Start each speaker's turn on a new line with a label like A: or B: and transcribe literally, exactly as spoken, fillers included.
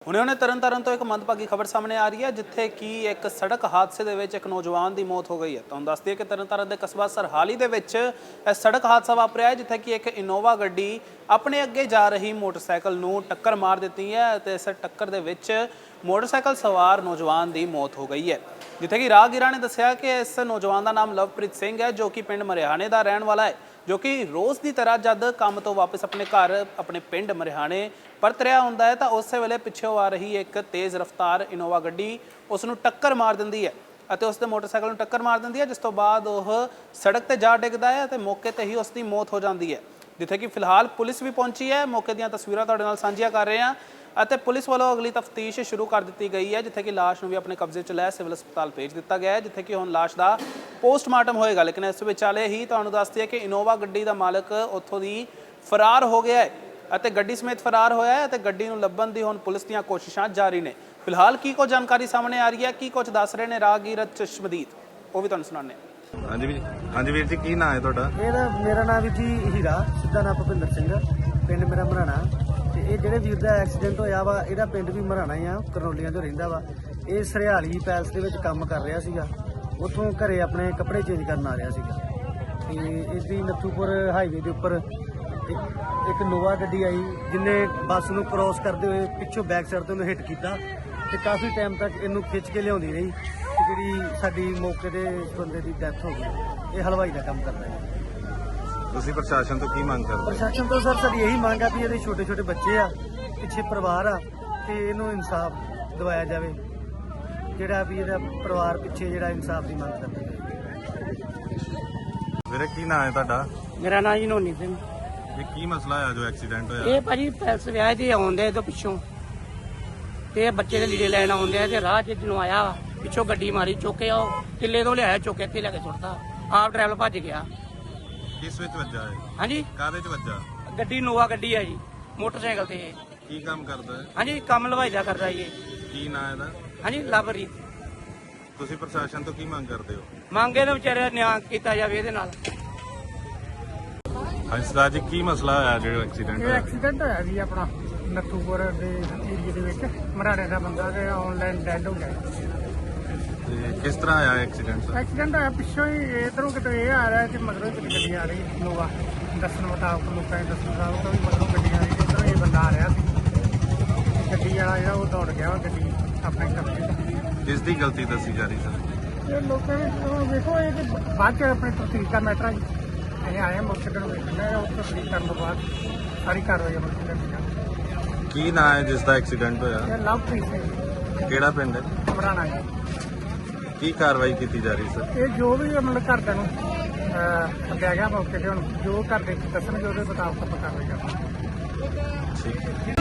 A: ਹੁਣੇ ਹੁਣੇ ਤਰਨ ਤਾਰਨ ਤੋਂ ਇੱਕ ਮੰਦਭਾਗੀ ਖਬਰ ਸਾਹਮਣੇ ਆ ਰਹੀ ਹੈ, ਜਿੱਥੇ ਕਿ ਇੱਕ ਸੜਕ ਹਾਦਸੇ ਦੇ ਵਿੱਚ ਇੱਕ ਨੌਜਵਾਨ ਦੀ ਮੌਤ ਹੋ ਗਈ ਹੈ। ਤੁਹਾਨੂੰ ਦੱਸ ਦਈਏ ਕਿ ਤਰਨ ਤਾਰਨ ਦੇ ਕਸਬਾ ਸਰਹਾਲੀ ਦੇ ਵਿੱਚ ਇਹ ਸੜਕ ਹਾਦਸਾ ਵਾਪਰਿਆ ਹੈ, ਜਿੱਥੇ ਕਿ ਇੱਕ ਇਨੋਵਾ ਗੱਡੀ ਆਪਣੇ ਅੱਗੇ ਜਾ ਰਹੀ ਮੋਟਰਸਾਈਕਲ ਨੂੰ ਟੱਕਰ ਮਾਰ ਦਿੱਤੀ ਹੈ ਅਤੇ ਇਸ ਟੱਕਰ ਦੇ ਵਿੱਚ ਮੋਟਰਸਾਈਕਲ ਸਵਾਰ ਨੌਜਵਾਨ ਦੀ ਮੌਤ ਹੋ ਗਈ ਹੈ। ਜਿੱਥੇ ਕਿ ਰਾਹਗੀਰਾਂ ਨੇ ਦੱਸਿਆ ਕਿ ਇਸ ਨੌਜਵਾਨ ਦਾ ਨਾਮ ਲਵਪ੍ਰੀਤ ਸਿੰਘ ਹੈ, ਜੋ ਕਿ ਪਿੰਡ ਮਰਿਆਣੇ ਦਾ ਰਹਿਣ ਵਾਲਾ ਹੈ, ਜੋ ਕਿ ਰੋਜ਼ ਦੀ ਤਰ੍ਹਾਂ ਜਦ ਕੰਮ ਤੋਂ ਵਾਪਸ ਆਪਣੇ ਘਰ ਆਪਣੇ ਪਿੰਡ ਮਰਿਆਣੇ ਪਰਤ ਰਿਹਾ ਹੁੰਦਾ ਹੈ ਤਾਂ ਉਸੇ ਵੇਲੇ ਪਿੱਛੋਂ ਆ ਰਹੀ ਇੱਕ ਤੇਜ਼ ਰਫ਼ਤਾਰ ਇਨੋਵਾ ਗੱਡੀ ਉਸ ਨੂੰ ਟੱਕਰ ਮਾਰ ਦਿੰਦੀ ਹੈ ਅਤੇ ਉਸ ਦੇ ਮੋਟਰਸਾਈਕਲ ਨੂੰ ਟੱਕਰ ਮਾਰ ਦਿੰਦੀ ਹੈ, ਜਿਸ ਤੋਂ ਬਾਅਦ ਉਹ ਸੜਕ ਤੇ ਜਾ ਡਿੱਗਦਾ ਹੈ ਅਤੇ ਮੌਕੇ ਤੇ ਹੀ ਉਸ ਦੀ ਮੌਤ ਹੋ ਜਾਂਦੀ ਹੈ। ਜਿੱਥੇ ਕਿ ਫਿਲਹਾਲ ਪੁਲਿਸ ਵੀ ਪਹੁੰਚੀ ਹੈ, ਮੌਕੇ ਦੀਆਂ ਤਸਵੀਰਾਂ ਤੁਹਾਡੇ ਨਾਲ ਸਾਂਝੀਆਂ ਕਰ ਰਹੇ ਹਾਂ ਅਤੇ ਪੁਲਿਸ ਵੱਲੋਂ ਅਗਲੀ ਤਫਤੀਸ਼ ਸ਼ੁਰੂ ਕਰ ਦਿੱਤੀ ਗਈ ਹੈ, ਜਿੱਥੇ ਕਿ ਲਾਸ਼ ਨੂੰ ਵੀ ਆਪਣੇ ਕਬਜ਼ੇ 'ਚ ਲੈ ਸਿਵਲ ਹਸਪਤਾਲ ਭੇਜ ਦਿੱਤਾ ਗਿਆ ਹੈ, ਜਿੱਥੇ ਕਿ ਹੁਣ ਲਾਸ਼ ਦਾ ਪੋਸਟਮਾਰਟਮ ਹੋਏਗਾ। ਲੇਕਿਨ ਇਸ ਵਿਚਾਲੇ ਹੀ ਤੁਹਾਨੂੰ ਦੱਸਦੀ ਹੈ ਕਿ ਇਨੋਵਾ ਗੱਡੀ ਦਾ ਮਾਲਕ ਉੱਥੋਂ ਦੀ ਫਰਾਰ ਹੋ ਗਿਆ ਹੈ ਅਤੇ ਗੱਡੀ ਸਮੇਤ ਫਰਾਰ ਹੋਇਆ ਹੈ ਅਤੇ ਗੱਡੀ ਨੂੰ ਲੱਭਣ ਦੀ ਹੁਣ ਪੁਲਿਸ ਦੀਆਂ ਕੋਸ਼ਿਸ਼ਾਂ ਜਾਰੀ ਨੇ। ਫਿਲਹਾਲ ਕੀ ਕੁਝ ਜਾਣਕਾਰੀ ਸਾਹਮਣੇ ਆ ਰਹੀ ਹੈ, ਕੀ ਕੁਝ ਦੱਸ ਰਹੇ ਨੇ ਰਾਹਗੀਰ ਚਸ਼ਮਦੀਦ, ਉਹ ਵੀ ਤੁਹਾਨੂੰ ਸੁਣਾਉਂਦੇ ਹਾਂ।
B: ਹਾਂਜੀ ਵੀਰ ਹਾਂਜੀ ਵੀਰ ਜੀ, ਕੀ ਨਾਂ ਹੈ ਤੁਹਾਡਾ?
C: ਇਹਦਾ ਮੇਰਾ ਨਾਮ ਵੀ ਜੀ ਹੀਰਾ, ਸਿੱਧਾ ਨਾਮ ਭੁਪਿੰਦਰ ਸਿੰਘ, ਪਿੰਡ ਮੇਰਾ ਮਰਾਣਾ। ਤੇ ਇਹ ਜਿਹੜੇ ਵੀਰ ਦਾ ਐਕਸੀਡੈਂਟ ਹੋਇਆ ਵਾ, ਇਹਦਾ ਪਿੰਡ ਵੀ ਮਰਾਣਾ ਹੀ ਆ, ਕਰਨੋਲੀਆਂ ਤੋਂ ਰਹਿੰਦਾ ਵਾ। ਇਹ ਸਰਹਾਲੀ ਪੈਲਸ ਦੇ ਵਿੱਚ ਕੰਮ ਕਰ ਰਿਹਾ ਸੀਗਾ, ਉੱਥੋਂ ਘਰੇ ਆਪਣੇ ਕੱਪੜੇ ਚੇਂਜ ਕਰਨ ਆ ਰਿਹਾ ਸੀਗਾ ਤੇ ਇਸਦੀ ਨੱਥੂਪੁਰ ਹਾਈਵੇ ਦੇ ਉੱਪਰ ਇੱਕ ਇੱਕ ਨੋਵਾ ਗੱਡੀ ਆਈ, ਜਿਹਨੇ ਬੱਸ ਨੂੰ ਕ੍ਰੋਸ ਕਰਦੇ ਹੋਏ ਪਿੱਛੋਂ ਬੈਕ ਸਾਈਡ ਤੋਂ ਉਹਨੂੰ ਹਿੱਟ ਕੀਤਾ ਤੇ ਕਾਫੀ ਟਾਈਮ ਤੱਕ ਇਹਨੂੰ ਖਿੱਚ ਕੇ ਲਿਆਉਂਦੀ ਰਹੀ ਤੇ ਜਿਹੜੀ ਸਾਡੀ ਮੌਕੇ ਤੇ ਬੰਦੇ ਦੀ ਡੈਥ ਹੋ ਗਈ। ਇਹ ਹਲਵਾਈ ਦਾ ਕੰਮ ਕਰਦਾ ਹੈ।
B: ਤੁਸੀਂ ਪ੍ਰਸ਼ਾਸਨ ਤੋਂ ਕੀ ਮੰਗ ਕਰਦੇ?
C: ਪ੍ਰਸ਼ਾਸਨ ਤੋਂ ਸਰ ਸਾਡੀ ਇਹੀ ਮੰਗ ਆ ਵੀ ਇਹਦੇ ਛੋਟੇ ਛੋਟੇ ਬੱਚੇ ਆ, ਪਿੱਛੇ ਪਰਿਵਾਰ ਆ ਤੇ ਇਹਨੂੰ ਇਨਸਾਫ ਦਿਵਾਇਆ ਜਾਵੇ, ਜਿਹੜਾ ਵੀ ਇਹਦਾ ਪਰਿਵਾਰ ਪਿੱਛੇ ਜਿਹੜਾ ਇਨਸਾਫ ਦੀ ਮੰਗ ਕਰਦਾ ਹੈ।
B: ਵੀਰੇ ਕੀ ਨਾਂ ਹੈ ਤੁਹਾਡਾ?
D: ਮੇਰਾ ਨਾਂ ਜੀ ਨੋਨੀ ਸਿੰਘ।
B: ਇਹ ਕੀ ਮਸਲਾ ਹੋਇਆ ਜੋ ਐਕਸੀਡੈਂਟ ਹੋਇਆ?
D: ਇਹ ਭਾਜੀ ਪੈਲਸ ਵਿਆਹ ਤੇ ਆਉਂਦੇ ਇਹਦੇ ਪਿੱਛੋਂ ਤੇ ਇਹ ਬੱਚੇ ਦੇ ਲੀੜੇ ਲੈਣ ਆਉਂਦੇ ਆ ਤੇ ਰਾਹ 'ਚ ਜਦੋਂ ਆਇਆ ਪਿੱਛੋਂ ਗੱਡੀ ਮਾਰੀ, ਚੁੱਕੇ ਉਹ ਕਿੱਲੇ ਤੋਂ ਲਿਆਇਆ, ਚੁੱਕ ਕੇ ਇੱਥੇ ਲੈ ਕੇ ਸੁੱਟਤਾ। ਆਪ ਡਰਾਈਵਰ ਭੱਜ ਗਿਆ।
B: ਕਿਸ ਵਿੱਚ ਵੱਜਾ ਹੈ?
D: ਹਾਂਜੀ,
B: ਕਾਹਦੇ 'ਚ ਵੱਜਾ?
D: ਗੱਡੀ ਨੋਵਾ ਗੱਡੀ ਹੈ ਜੀ, ਮੋਟਰਸਾਈਕਲ ਤੇ।
B: ਕੀ ਕੰਮ ਕਰਦਾ ਹੈ?
D: ਹਾਂਜੀ, ਕੰਮ ਲਵਾਈ ਦਾ ਕਰਦਾ ਜੀ।
B: ਕੀ ਨਾਂ ਇਹਦਾ?
D: ਹਾਂਜੀ, ਲਵਪ੍ਰੀਤ।
B: ਤੁਸੀਂ ਪ੍ਰਸ਼ਾਸਨ ਤੋਂ ਕੀ ਮੰਗ ਕਰਦੇ ਹੋ?
D: ਮੰਗੇ ਨੇ ਵਿਚਾਰੇ ਨਿਆਂ ਕੀਤਾ ਜਾਵੇ ਇਹਦੇ ਨਾਲ।
B: ਹਾਂਜੀ ਸਰਦਾਰ ਜੀ, ਕੀ ਮਸਲਾ ਹੋਇਆ ਜਿਹੜਾ ਐਕਸੀਡੈਂਟ
E: ਇਹ
B: ਹੋਇਆ?
E: ਐਕਸੀਡੈਂਟ ਹੋਇਆ ਜੀ ਆਪਣਾ ਨੱਥੂਪੁਰ ਦੇ ਏਰੀਏ ਦੇ ਵਿੱਚ, ਮਰਾੜੇ ਦਾ ਬੰਦਾ ਤੇ ਆਨਲਾਈਨ ਡੈਡ ਹੋ ਗਿਆ।
B: ਤੇ ਕਿਸ ਤਰ੍ਹਾਂ ਆਇਆ ਐਕਸੀਡੈਂਟ?
E: ਐਕਸੀਡੈਂਟ ਹੋਇਆ ਪਿੱਛੋਂ ਹੀ, ਇਧਰੋਂ ਕਿਤੇ ਇਹ ਆ ਰਿਹਾ ਤੇ ਮਗਰੋਂ ਕਿਤੇ ਗੱਡੀ ਆ ਰਹੀ ਨੋਵਾ। ਦੱਸਣ ਮੁਤਾਬਕ ਲੋਕਾਂ ਦੇ ਦੱਸਣ ਮੁਤਾਬਕ ਵੀ ਮਗਰੋਂ ਗੱਡੀ ਆ ਰਹੀ ਤੇ ਇੱਧਰੋਂ ਇਹ ਬੰਦਾ ਆ ਰਿਹਾ ਸੀ। ਗੱਡੀ ਵਾਲਾ ਜਿਹੜਾ ਉਹ ਦੌੜ ਗਿਆ, ਉਹ ਗੱਡੀ ਆਪਣੇ ਕਬਜ਼ੇ 'ਚ।
B: ਕਿਸ ਦੀ ਗਲਤੀ ਦੱਸੀ ਜਾ ਰਹੀ ਸਰ?
E: ਇਹ ਲੋਕਾਂ ਨੇ ਉਹ ਵੇਖੋ, ਇਹ ਤੇ ਬਾਅਦ 'ਚ ਆਪਣੇ ਤਸਦੀਕ ਦਾ ਮੈਟਰ ਹੈ ਜੀ। ਅਸੀਂ ਆਏ ਮੋਟਰਸਾਈਕਲ ਨੂੰ ਵੇਖਣਾ, ਉਹ ਤਸਦੀਕ ਕਰਨ ਤੋਂ ਬਾਅਦ ਸਾਰੀ ਕਾਰਵਾਈ ਅਮਲ 'ਚ ਲਿਆਂਦੀ ਜਾਵੇਗੀ।
B: ਕੀ ਨਾਂ ਹੈ ਜਿਸ ਦਾ ਐਕਸੀਡੈਂਟ ਹੋਇਆ?
E: ਇਹ ਲਵਪ੍ਰੀਤ ਸਿੰਘ
B: ਕਿਹੜਾ ਪਿੰਡ ਹੈ?
E: ਮਰਾਣਾ ਜੀ।
B: ਕੀ ਕਾਰਵਾਈ ਕੀਤੀ ਜਾ ਰਹੀ ਸਰ?
E: ਇਹ ਜੋ ਵੀ ਮਤਲਬ ਘਰਦਿਆਂ ਨੂੰ ਸੱਦਿਆ ਗਿਆ ਮੌਕੇ ਤੇ, ਹੁਣ ਜੋ ਘਰ ਦੇ ਦੱਸਣਗੇ ਉਹਦੇ ਮੁਤਾਬਕ ਆਪਾਂ ਕਾਰਵਾਈ ਕਰਾਂਗੇ।
B: ਠੀਕ ਹੈ।